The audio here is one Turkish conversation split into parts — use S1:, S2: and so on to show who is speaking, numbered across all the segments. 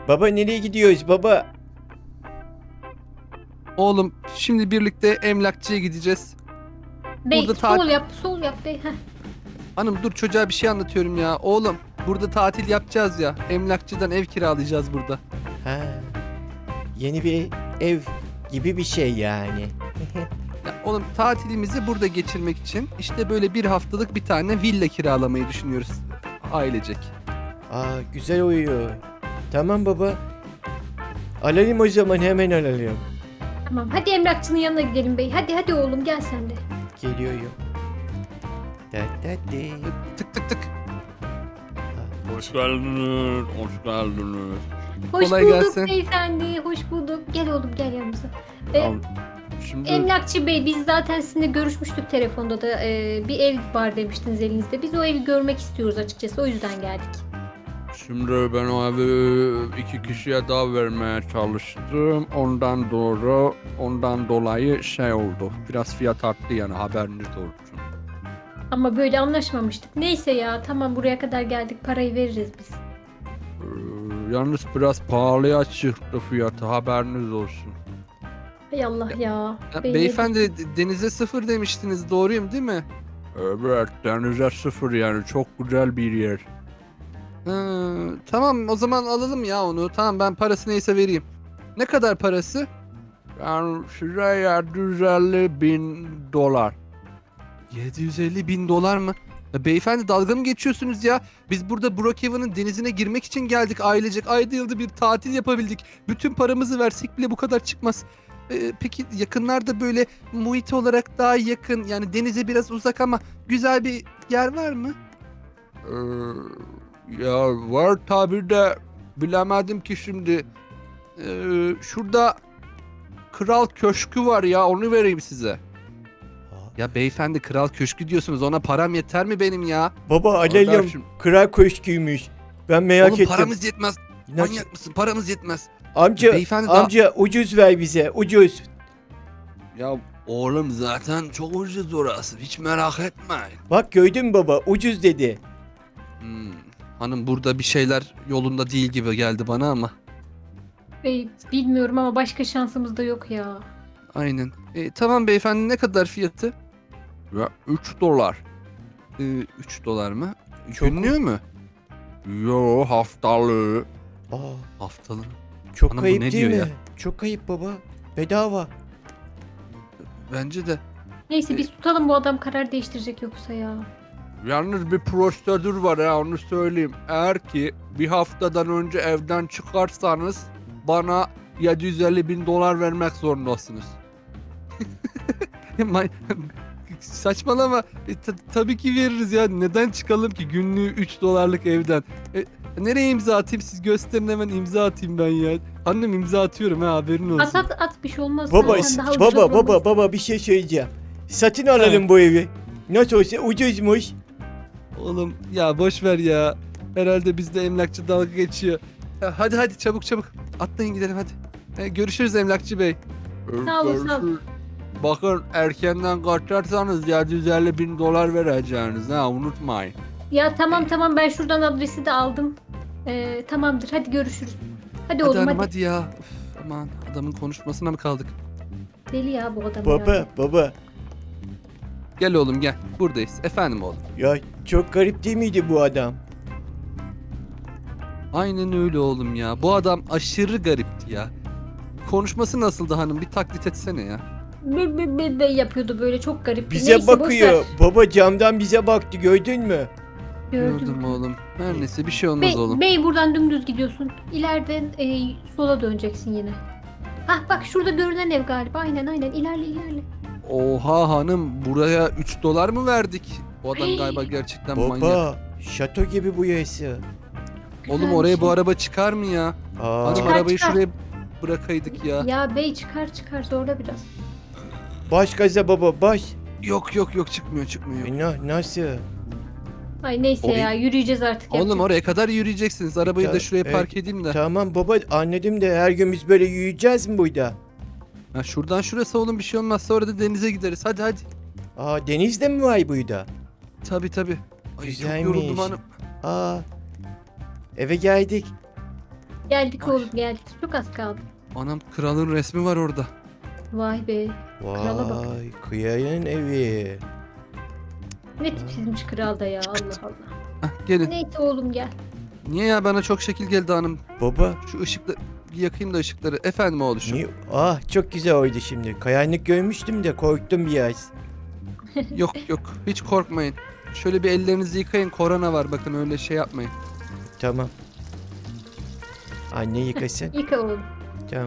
S1: Baba nereye gidiyoruz baba?
S2: Oğlum şimdi birlikte emlakçıya gideceğiz.
S3: Bey
S2: Burada
S3: sol yap, sol yap bey. Heh.
S2: Hanım dur çocuğa bir şey anlatıyorum ya. Oğlum burada tatil yapacağız ya. Emlakçıdan ev kiralayacağız burada.
S1: Ha, yeni bir ev gibi bir şey yani.
S2: Ya oğlum tatilimizi burada geçirmek için işte böyle bir haftalık bir tane villa kiralamayı düşünüyoruz ailecek.
S1: Aa, güzel uyuyor. Tamam baba. Alalım o zaman, hemen alalım.
S3: Tamam hadi emlakçının yanına gidelim bey. Hadi hadi oğlum gel sen de.
S1: Geliyorum. Da, da, da.
S2: Tık tık tık.
S4: Hoş geldiniz, hoş geldiniz.
S3: Hoş
S2: Kolay
S3: bulduk
S2: gelsin.
S3: beyefendi. Hoş bulduk. Gel oğlum gel yanımıza.
S4: Al, Şimdi
S3: Emlakçı bey biz zaten sizinle görüşmüştük telefonda da bir ev var demiştiniz elinizde. Biz o evi görmek istiyoruz açıkçası o yüzden geldik.
S4: şimdi ben o evi iki kişiye daha vermeye çalıştım. Ondan dolayı şey oldu. Biraz fiyat arttı yani, haberiniz olsun.
S3: Ama böyle anlaşmamıştık. Neyse ya tamam buraya kadar geldik parayı veririz biz.
S4: Yalnız biraz pahalıya çıktı fiyatı, haberiniz olsun.
S3: Hay Allah ya.
S2: Ya,
S3: Bey,
S2: beyefendi denize sıfır demiştiniz doğruyum değil mi?
S4: Evet, denize sıfır yani, çok güzel bir yer.
S2: Tamam o zaman alalım ya onu. Tamam ben parası neyse vereyim. Ne kadar parası?
S4: Yani size 750.000 dolar.
S2: 750 bin dolar mı? Ya beyefendi dalga mı geçiyorsunuz ya? Biz burada Brookhaven'ın denizine girmek için geldik ailecek. Ayda yılda bir tatil yapabildik. Bütün paramızı versek bile bu kadar çıkmaz. Peki yakınlarda böyle muhit olarak daha yakın yani denize biraz uzak ama güzel bir yer var mı?
S4: Ee, Ya var tabi de bilemedim ki şimdi. Şurada Kral Köşkü var ya, onu vereyim size.
S1: Aa,
S2: Ya beyefendi kral köşkü diyorsunuz ona param yeter mi benim ya?
S1: baba alalım.
S4: Kardeşim.
S1: Kral köşküymüş. Ben merak
S2: Oğlum
S1: ettim.
S2: paramız yetmez.
S1: Nasıl?
S2: Manyak mısın? Paramız yetmez.
S1: Amca,
S2: Beyefendi daha-
S1: amca ucuz ver bize. Ucuz.
S4: Ya oğlum zaten çok ucuz orası, hiç merak etmeyin.
S1: Bak gördün mü baba? Ucuz dedi.
S2: Hanım burada bir şeyler yolunda değil gibi geldi bana ama.
S3: Bey bilmiyorum ama başka şansımız da yok ya.
S2: Aynen. Tamam beyefendi ne kadar fiyatı?
S4: Ya 3 dolar.
S2: 3 dolar mı?
S1: Çok-
S2: Günlüğü mü?
S4: Yo, haftalığı.
S1: Aa,
S2: Haftalı.
S1: çok
S2: Anam bu
S1: kayıp
S2: ne
S1: değil mi?
S2: diyor ya?
S1: Çok kayıp baba. Bedava.
S2: Bence de.
S3: Neyse biz tutalım bu adam karar değiştirecek yoksa ya.
S4: Yalnız bir prosedür var ya, onu söyleyeyim. Eğer ki bir haftadan önce evden çıkarsanız bana 750.000 dolar vermek zorundasınız.
S2: Saçmalama. Tabii ki veririz ya. Neden çıkalım ki günlüğü 3 dolarlık evden? Nereye imza atayım? Siz gösterin hemen imza atayım ben ya. Annem imza atıyorum ha haberin olsun.
S3: At bir şey olmaz.
S1: Baba,
S3: Zaten daha ucuz
S1: baba,
S3: olmaz.
S1: baba bir şey söyleyeceğim. Satın alalım bu evi. Nasıl olsa ucuzmuş.
S2: Oğlum ya boş ver ya. Herhalde bizde emlakçı dalga geçiyor. Ya hadi çabuk. Atlayın gidelim hadi. Görüşürüz emlakçı bey.
S3: Sağ olun, sağ olun.
S4: Görüşürüz. Bakın erkenden kaçarsanız 750.000 dolar vereceğiniz ha, unutmayın.
S3: Ya tamam ben şuradan adresi de aldım. Tamamdır hadi görüşürüz. Hadi
S2: Hadi
S3: oğlum
S2: hanım
S3: hadi.
S2: hadi ya. Üf, aman adamın konuşmasına mı kaldık?
S3: Deli ya bu adam
S1: Baba,
S3: ya.
S1: baba.
S2: Gel oğlum gel. Buradayız. Efendim oğlum.
S1: Ya çok garip değil miydi bu adam?
S2: Aynen öyle oğlum ya. Bu adam aşırı garipti ya. Konuşması nasıldı hanım? Bir taklit etsene ya.
S3: Be yapıyordu böyle çok garip.
S1: Bize
S3: Neyse, boş
S1: bakıyor.
S3: ver.
S1: Baba camdan bize baktı, gördün mü?
S2: Gördüm oğlum. Her neyse bir şey olmaz oğlum.
S3: Bey buradan dümdüz gidiyorsun. İleriden sola döneceksin yine. Hah bak şurada görünen ev galiba. Aynen ilerle.
S2: Oha hanım buraya 3 dolar mı verdik? Bu adam
S3: Hey.
S2: galiba gerçekten manyak.
S1: Baba, şato gibi bu yası.
S2: Oğlum
S3: Güzel
S2: oraya
S3: bir
S2: bu
S3: şey.
S2: araba çıkar mı ya?
S1: Aa,
S2: Hanım
S3: Çıkar,
S2: arabayı
S3: çıkar.
S2: şuraya bırakaydık ya.
S3: Ya bey çıkar zorla biraz.
S1: baş gaza baba, baş.
S2: Yok çıkmıyor.
S1: Nasıl?
S3: Ay neyse
S2: Orayı-
S3: ya yürüyeceğiz artık.
S2: Oğlum
S3: yapacak
S2: oraya kadar yürüyeceksiniz. Arabayı da
S1: Ta-
S2: şuraya
S1: evet,
S2: park edeyim de.
S1: Tamam baba, anladım da her gün biz böyle yürüyeceğiz mi burada?
S2: Ha, şuradan şurası oğlum bir şey olmaz. Sonra da denize gideriz. Hadi.
S1: Aa, denizde mi var burada?
S2: Tabii. Ay çok
S1: Güzelmiş.
S2: yoruldum hanım.
S1: Aa, eve geldik.
S3: Geldik
S2: Ay.
S3: oğlum geldik. Çok az kaldı.
S2: Anam kralın resmi var orada.
S3: Vay be. Krala bak.
S1: Vay kıyayın evi.
S3: Ne tipsizmiş kral da ya Allah Allah.
S2: Hah, gelin.
S3: Neyse oğlum gel.
S2: Niye ya, bana çok şekil geldi hanım.
S1: Baba
S2: Şu ışıkları bir yakayım da ışıkları. Efendim oğluşum.
S1: niye? Ah çok güzel oldu şimdi. Kayanlık görmüştüm de korktum biraz.
S2: Yok yok, hiç korkmayın. Şöyle bir ellerinizi yıkayın, korona var, bakın öyle şey yapmayın.
S1: Tamam. Anne yıkasın.
S3: Yıka oğlum.
S1: Tamam.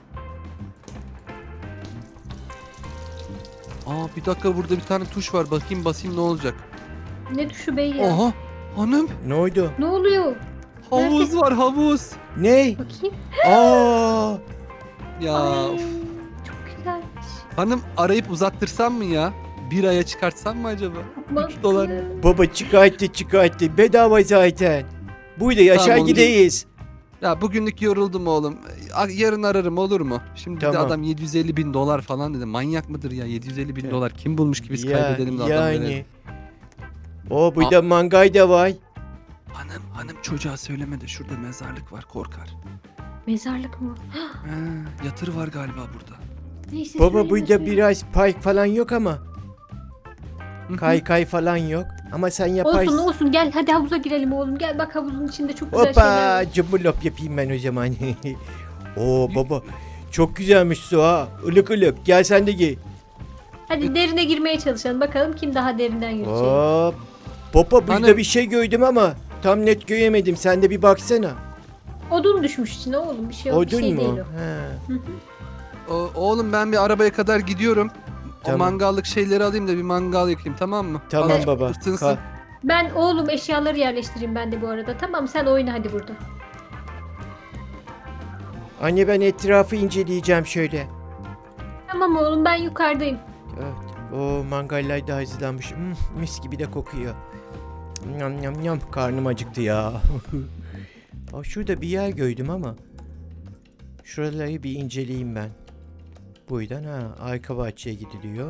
S2: Aa, bir dakika, burada bir tane tuş var, bakayım basayım ne olacak.
S3: Ne düşü bey ya.
S2: Oha hanım,
S1: Ne oldu?
S3: Ne oluyor?
S2: havuz var, havuz.
S1: Ne?
S3: Bakayım.
S1: Aa!
S2: Ya
S3: Ay,
S2: of.
S3: çok güzelmiş.
S2: Hanım, arayıp uzattırsam mı ya? Bir aya çıkartsam mı acaba?
S3: Mantıklı.
S2: dolar.
S1: Baba çıkarttı. Bedava zaten. Burada yaşar
S2: Tamam,
S1: gideyiz.
S2: Ya bugünlük yoruldum oğlum. Yarın ararım, olur mu? Şimdi bir de
S1: Tamam.
S2: adam 750 bin dolar falan dedi. Manyak mıdır ya, 750 bin
S1: Evet.
S2: dolar kim bulmuş ki biz
S1: Ya,
S2: kaybedelim de adam verelim.
S1: yani. O burada mangay da var.
S2: Hanım çocuğa söyleme de şurada mezarlık var, korkar.
S3: Mezarlık mı?
S2: Yatır var galiba burada.
S3: Neyse
S1: Baba
S3: söyleme,
S1: burada
S3: söyleme.
S1: biraz park falan yok ama.
S2: Hı hı.
S1: Kay falan yok. Ama sen yaparsın.
S3: Olsun olsun gel hadi havuza girelim oğlum. Gel bak havuzun içinde çok güzel şeyler var.
S1: Hoppa cımbırlop yapayım ben o zaman. Oo baba çok güzelmiş su ha. Ilık ılık gel sen de giy.
S3: Hadi derine girmeye çalışalım. Bakalım kim daha derinden yüzecek.
S1: Hop. Baba burada
S2: Hanım.
S1: bir şey gördüm ama tam net göremedim. Sen de bir baksana.
S3: Odun düşmüş içine oğlum. Bir şey yok. Bir
S1: Odun
S3: şey
S1: mu?
S3: değil o.
S1: He.
S2: Oğlum ben bir arabaya kadar gidiyorum.
S1: Tamam.
S2: O mangallık şeyleri alayım da bir mangal yakayım, tamam mı?
S1: Tamam
S2: Azıcık
S1: baba.
S2: ısınsın.
S1: Ka-
S3: Ben oğlum eşyaları yerleştireyim ben de bu arada. Tamam sen oyna hadi burada.
S1: Anne ben etrafı inceleyeceğim şöyle.
S3: Tamam oğlum ben yukarıdayım.
S1: Evet. O mangaller da hazırlanmış. Mis gibi de kokuyor. Yam yam yam. Karnım acıktı ya. Aa, şurada bir yer gördüm ama. Şuraları bir inceleyeyim ben. Buradan arka bahçeye gidiliyor.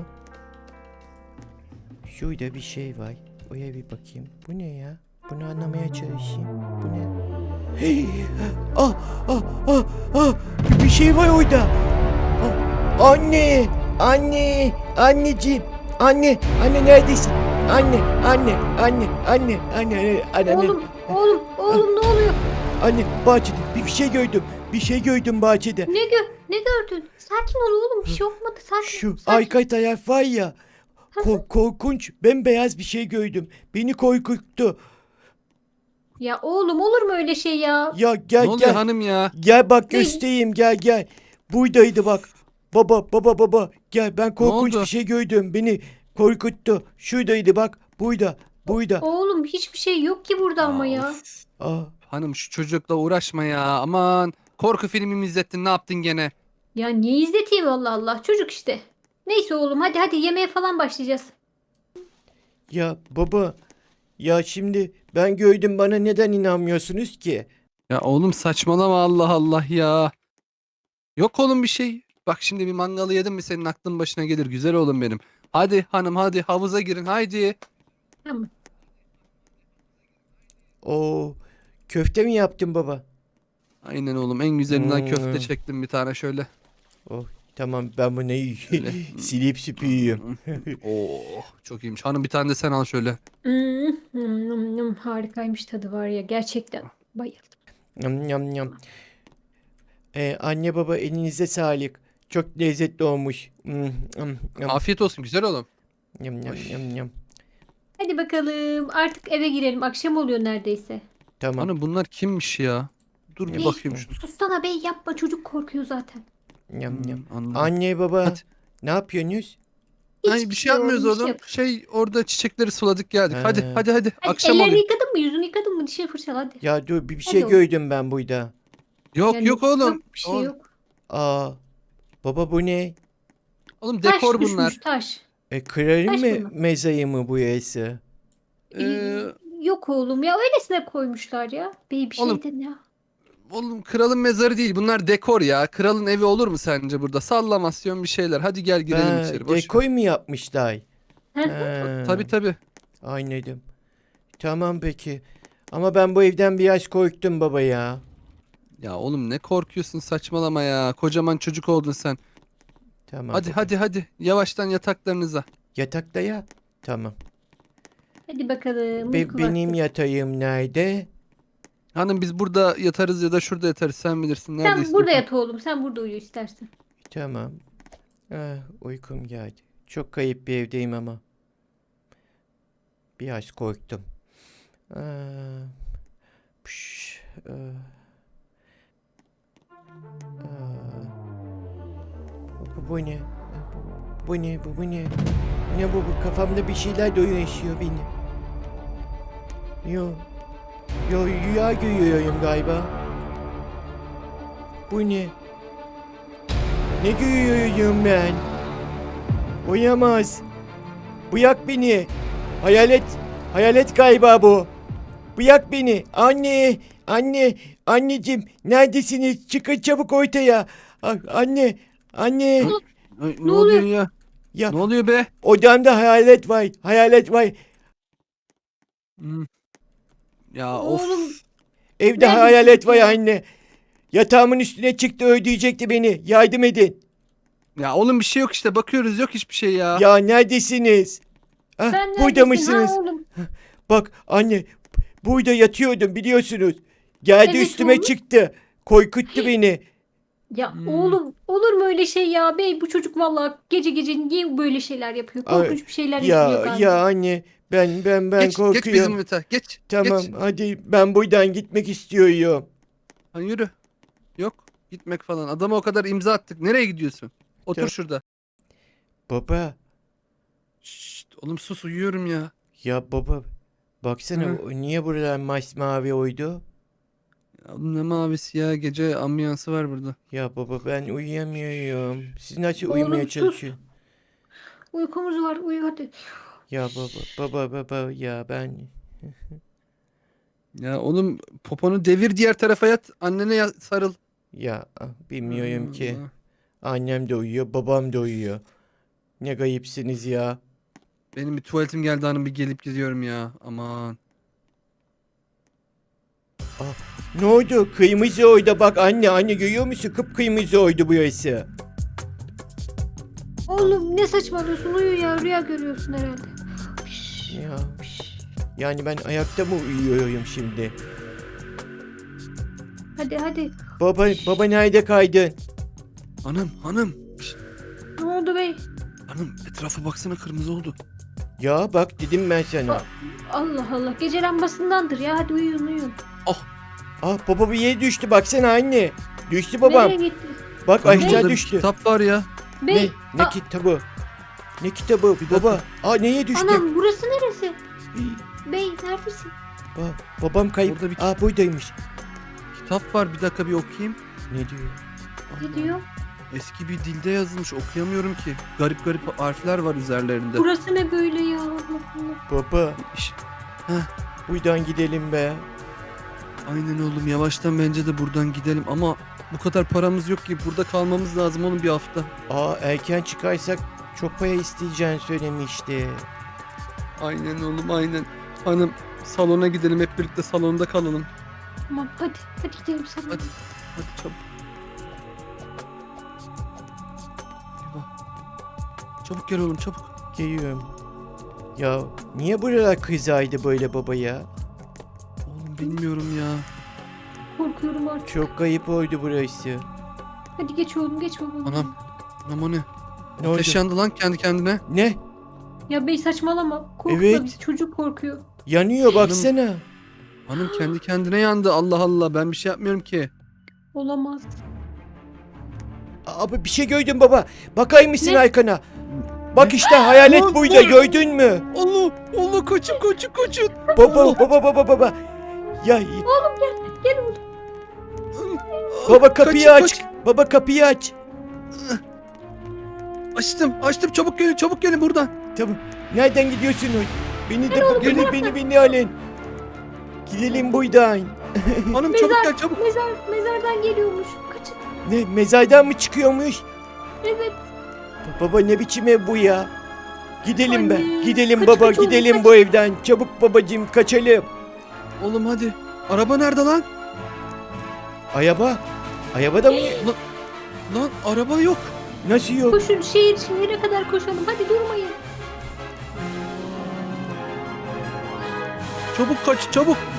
S1: Şurada bir şey var. Oraya bir bakayım. Bu ne ya? Bunu anlamaya çalışayım. Bu ne? Hey! Ah! Ah! Ah! Ah! Bir şey var orada. Ah! Anne! Anne! Anneciğim! Anne neredesin? Anne.
S3: Oğlum ne oluyor?
S1: Anne bahçede bir şey gördüm. Bir şey gördüm bahçede.
S3: Ne gördün? Sakin ol oğlum bir şey olmadı. Sakin.
S1: Şu
S3: sakin.
S1: arka taraf var ya. Korkunç bembeyaz bir şey gördüm. Beni korkuttu.
S3: Ya oğlum olur mu öyle şey ya?
S1: Ya
S2: Ne
S1: gel
S2: oluyor
S1: gel.
S2: hanım ya?
S1: Gel bak
S3: Ne?
S1: göstereyim gel. Buradaydı bak. Baba gel ben korkunç
S2: oldu?
S1: bir şey gördüm. Beni korkuttu. Şuradaydı bak. Buyda.
S3: Oğlum hiçbir şey yok ki burada ama ya.
S2: Of.
S1: Aa,
S2: Hanım şu çocukla uğraşma ya, aman. Korku filmi mi izlettin, ne yaptın gene?
S3: Ya niye izleteyim Allah Allah çocuk işte. Neyse oğlum hadi yemeğe falan başlayacağız.
S1: ya baba. Ya şimdi ben gördüm bana neden inanmıyorsunuz ki?
S2: Ya oğlum saçmalama, Allah Allah ya. Yok oğlum bir şey. Bak şimdi bir mangalı yedin mi senin aklın başına gelir, güzel oğlum benim. Hadi hanım, hadi havuza girin, haydi.
S3: Tamam.
S1: Oo, köfte mi yaptın baba?
S2: Aynen oğlum, en güzelinden
S1: Hmm.
S2: köfte çektim bir tane şöyle.
S1: Oh, tamam ben bunu
S2: Öyle.
S1: silip süpürüyorum.
S2: Oo, çok iyiymiş. Hanım bir tane de sen al şöyle.
S3: Harikaymış tadı var ya gerçekten bayıldım.
S1: Yam. Anne baba elinize sağlık. Çok lezzetli olmuş.
S2: Afiyet olsun güzel oğlum.
S1: Yam.
S3: Hadi bakalım artık eve girelim akşam oluyor neredeyse.
S1: Tamam.
S2: Hanım bunlar kimmiş ya? Dur bir
S3: Bey,
S2: bakayım şunu.
S3: Sussana bey yapma çocuk korkuyor zaten.
S1: Yam.
S2: Anladım.
S1: Anne baba
S2: Hadi.
S1: ne yapıyorsunuz?
S2: Ay
S3: Hiçbir
S2: bir şey yapmıyoruz
S3: oğlum, bir şey
S2: oğlum.
S3: yap-
S2: Şey orada çiçekleri suladık geldik.
S1: He.
S2: Hadi.
S3: Hadi,
S2: Akşam
S3: ellerini
S2: oluyor.
S3: yıkadın mı yüzünü yıkadın mı dişini fırçala hadi.
S1: Ya dur bir
S3: Hadi
S1: şey
S3: oğlum.
S1: gördüm ben burada.
S2: Yok
S3: Yani
S2: yok oğlum.
S3: Yok bir şey
S2: Oğlum,
S3: yok.
S1: Aa baba bu ne?
S2: oğlum
S3: Taş
S2: dekor
S3: düşmüş
S2: bunlar.
S3: taş.
S1: Kralın
S3: Taş
S1: mı
S3: bunlar.
S1: mezayı mı bu yası?
S2: Ee,
S3: Yok oğlum ya öylesine koymuşlar ya. Bey bir
S2: Oğlum,
S3: şeyden ya.
S2: oğlum kralın mezarı değil. Bunlar dekor ya. Kralın evi olur mu sence burada? Sallamasyon bir şeyler. Hadi gel girelim içeri. Boş ver.
S1: Dekoy mu yapmışlar?
S3: Hı hı.
S1: Ha,
S2: Tabii tabii.
S1: anladım. Tamam peki. Ama ben bu evden biraz korktum baba ya.
S2: Ya oğlum ne korkuyorsun, saçmalama ya. Kocaman çocuk oldun sen.
S1: Tamam.
S2: Hadi
S1: baba.
S2: hadi yavaştan yataklarınıza.
S1: Yatakta ya. Tamam.
S3: Hadi bakalım. uyku
S1: Benim
S3: vakti.
S1: yatağım nerede?
S2: Hanım biz burada yatarız ya da şurada yatarız, sen bilirsin. Nerede
S3: Sen burada
S2: istiyorsan.
S3: yat oğlum. Sen burada uyu istersen.
S1: Tamam. Ah, uykum geldi. Çok kayıp bir evdeyim ama. Biraz korktum. Ah, püş, ah. Ah. Bu ne? Bu ne? Bu ne? Ne bu? Kafamda bir şeyler dolaşıyor benim. Yo. Yo rüya görüyorum galiba. Bu ne? Ne görüyorum ben? Uyamaz. Bırak beni. Hayalet. Hayalet galiba bu. Bırak beni. Anne. Anne. Anneciğim. Neredesiniz? Çıkın çabuk ortaya. Anne. Anne.
S2: Ay,
S3: Ne
S2: ne oluyor ya?
S1: Ya
S2: Ne oluyor be?
S1: odamda hayalet var. Hayalet var.
S2: Hmm. Ya
S3: Oğlum.
S2: of.
S1: Evde
S3: Neredesin
S1: hayalet var
S3: ya?
S1: anne. Yatağımın üstüne çıktı öldürecekti beni. Yardım edin.
S2: Ya oğlum bir şey yok işte, bakıyoruz, yok hiçbir şey ya.
S1: Ya neredesiniz? Ah,
S3: Sen
S1: burada
S3: neredesin?
S1: mısınız?
S3: Ha oğlum.
S1: Bak anne burada yatıyordum biliyorsunuz. Geldi
S3: Evet
S1: üstüme
S3: oğlum.
S1: çıktı. Korkuttu beni.
S3: Ya
S2: Hmm.
S3: oğlum olur mu öyle şey ya? Bey bu çocuk vallahi gece gece niye böyle şeyler yapıyor?
S1: Ay,
S3: Korkunç bir şeyler yapıyor
S1: Ya
S3: galiba.
S1: ya anne ben
S2: Geç
S1: korkuyorum.
S2: bizim yatağa, geç.
S1: Tamam
S2: Geç.
S1: hadi ben buradan gitmek istiyorum.
S2: Ha, yürü. Yok gitmek falan. Adama o kadar imza attık. Nereye gidiyorsun? Otur
S1: Tamam.
S2: şurada.
S1: Baba
S2: Şşt, oğlum sus, uyuyorum ya.
S1: ya baba baksana
S2: Hı.
S1: niye buralar masmavi oydu?
S2: Ya oğlum ne mavisi ya, gece ambiyansı var burada.
S1: Ya baba ben uyuyamıyorum. Siz nasıl
S3: Oğlum,
S1: uyumaya
S3: sus.
S1: çalışıyorsun?
S3: Uykumuz var uyu hadi.
S1: Ya baba ya ben
S2: Ya oğlum poponu devir, diğer tarafa yat, annene sarıl.
S1: ya bilmiyorum ki.
S2: Allah.
S1: Annem de uyuyor, babam da uyuyor. Ne gayipsiniz ya.
S2: Benim bir tuvaletim geldi hanım, bir gelip gidiyorum ya. Aman.
S1: Ne oldu? Kırmızı oydu bak anne görüyor musun? Kıpkırmızı oydu burası.
S3: Oğlum ne saçmalıyorsun uyu ya rüya görüyorsun herhalde.
S1: Ya. Yani ben ayakta mı uyuyorum şimdi?
S3: Hadi.
S1: Baba nerede kaydın?
S2: Hanım. Şşt,
S3: Ne oldu bey?
S2: hanım etrafa baksana, kırmızı oldu.
S1: Ya bak dedim ben sana.
S3: Allah Allah gece lambasındandır ya hadi uyuyun.
S1: Baba bir yere düştü baksana anne. Düştü babam.
S3: Nereye gitti?
S1: Bak
S2: Hanım,
S1: aşağı
S2: burada bir
S1: düştü.
S2: kitap var ya.
S3: Bey.
S1: Ne kitabı? Ne kitabı
S2: dakika.
S1: baba? Neye düştü?
S3: Anam burası neresi? Bey neredesin?
S1: Babam kayıp.
S2: Burada bir-
S1: Buradaymış.
S2: Kitap var, bir dakika bir okuyayım.
S1: Ne diyor?
S3: Ne diyor?
S2: Eski bir dilde yazılmış, okuyamıyorum ki. Garip harfler var üzerlerinde.
S3: Burası ne böyle ya Allah Allah.
S1: Baba
S2: İş-
S1: buradan gidelim be.
S2: Aynen oğlum, yavaştan bence de buradan gidelim ama bu kadar paramız yok ki, burada kalmamız lazım oğlum bir hafta.
S1: Erken çıkarsak çok para isteyeceğini söylemişti.
S2: Aynen oğlum aynen. Hanım salona gidelim, hep birlikte salonda kalalım.
S3: Tamam hadi gidelim sana.
S2: Hadi çabuk. Eyvah. Çabuk gel oğlum, çabuk.
S1: Geliyorum. Ya niye buralar kızaydı böyle baba ya?
S2: Oğlum bilmiyorum ya.
S3: Korkuyorum artık.
S1: Çok kayıp oldu burası.
S3: Hadi geç oğlum geç babam.
S2: Anam o ne?
S1: Ne oldu?
S2: Ateş yandı lan kendi kendine.
S1: Ne?
S3: Ya bey saçmalama. Korkma
S1: Evet.
S3: bizi çocuk korkuyor.
S1: Yanıyor baksana.
S2: Hanım kendi kendine yandı, Allah Allah, ben bir şey yapmıyorum ki.
S3: Olamaz.
S1: Abi bir şey gördüm baba. Bakar mısın
S3: Ne?
S1: arkana? Bak işte hayalet
S2: Lan,
S1: buydu
S2: dur.
S1: gördün mü?
S2: Allah koçum.
S1: Baba. Ya
S3: Gel oğlum.
S1: baba kapıyı
S2: Kaçın,
S1: aç.
S2: kaç.
S1: Baba kapıyı aç.
S2: Açtım, çabuk gelin buradan.
S1: Tamam. Nereden gidiyorsunuz? Beni alın. Gidelim buradan.
S2: Hanım
S3: Mezar.
S2: çabuk gel, çabuk.
S3: Mezardan geliyormuş. Kaçın.
S1: Ne mezardan mı çıkıyormuş?
S3: Evet.
S1: Baba ne biçim ev bu ya? Gidelim be.
S3: Anne,
S1: Gidelim
S3: kaç,
S1: baba
S3: kaç oğlum,
S1: gidelim
S3: kaç.
S1: bu evden. Çabuk babacığım kaçalım.
S2: Oğlum hadi. Araba nerede lan?
S1: Araba. Arabada mı?
S2: Lan araba yok.
S1: Nasıl yok?
S3: Koşun şehre kadar koşalım. Hadi durmayın.
S2: Çabuk kaç çabuk.